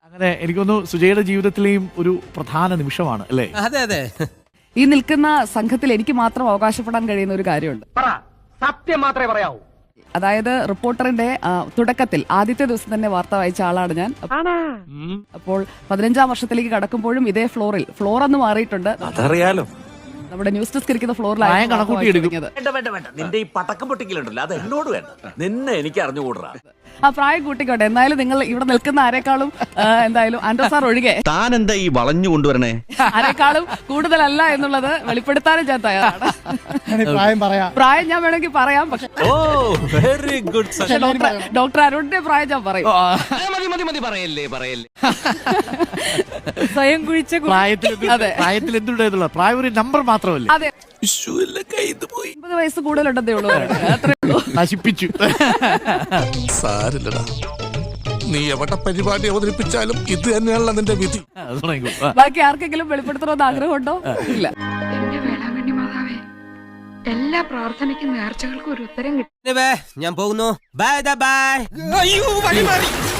അങ്ങനെ എനിക്കൊന്നു സുജയുടെ ജീവിതത്തിലെയും ഒരു പ്രധാന നിമിഷമാണ് അല്ലേ? അതെ അതെ. ഈ നിൽക്കുന്ന സംഘത്തിൽ എനിക്ക് മാത്രം അവകാശപ്പെടാൻ കഴിയുന്ന ഒരു കാര്യമുണ്ട്. സത്യം മാത്രമേ പറയാവൂ. അതായത് റിപ്പോർട്ടറിന്റെ തുടക്കത്തിൽ ആദ്യത്തെ ദിവസം തന്നെ വാർത്ത വായിച്ച ആളാണ് ഞാൻ. അപ്പോൾ 15-ാം വർഷത്തിലേക്ക് കടക്കുമ്പോഴും ഇതേ ഫ്ലോർ അന്ന് മാറിയിട്ടുണ്ട്. അതറിയാലോ, നമ്മുടെ ന്യൂസ് ഡെസ്ക് ഇരിക്കുന്ന പ്രായം കണക്കൂട്ടി എടുക്കും. വേണ്ട നിന്റെ ഈ പടക്കം പൊട്ടിക്കലുണ്ടല്ലോ അത് എന്നോട് വേണ്ട, നിന്നെ എനിക്ക് അറിഞ്ഞുകൂടാ. ആ പ്രായം കൂട്ടിക്കോട്ടെ. എന്തായാലും നിങ്ങൾ ഇവിടെ നിൽക്കുന്ന ആരെക്കാളും എന്തായാലും ആൻഡ്രോ സാർ ഒഴികെ താൻ എന്താ ഈ വളഞ്ഞു കൊണ്ടുവരണേ, ആരെക്കാളും കൂടുതലല്ല എന്നുള്ളത് വെളിപ്പെടുത്താനും ഞാൻ തയ്യാറാണ്. പ്രായം ഞാൻ വേണമെങ്കിൽ പറയാം, പക്ഷെ വെരി ഗുഡ്. ഡോക്ടർ അരുണിന്റെ പ്രായം ഞാൻ പറയും. പറയല്ലേ. സ്വയം കുഴിച്ച പ്രായത്തിൽ എന്തുണ്ടായിരുന്നുള്ള പ്രായം ഒരു നമ്പർ മാത്രമല്ലേ? അതെ, 50 വയസ്സ് കൂടുതലുണ്ടെന്നേ ഉള്ളൂ. അത്രേ ഉള്ളൂ. നശിപ്പിച്ചു. സാരില്ലടാ, നീ എവിടെ പരിപാടി അവതരിപ്പിച്ചാലും ഇത് തന്നെയാണല്ലോ നിന്റെ വിധി. ബാക്കി ആർക്കെങ്കിലും വെളിപ്പെടുത്തണമെന്ന് ആഗ്രഹമുണ്ടോ? ഇല്ല. എന്റെ വേളാങ്കണ്ണി മാതാവേ, എല്ലാ പ്രാർത്ഥനയ്ക്കും നേർച്ചകൾക്കും ഒരു ഉത്തരം കിട്ടും. ഞാൻ പോകുന്നു. Bye bye. അയ്യോ വഴി മാറി.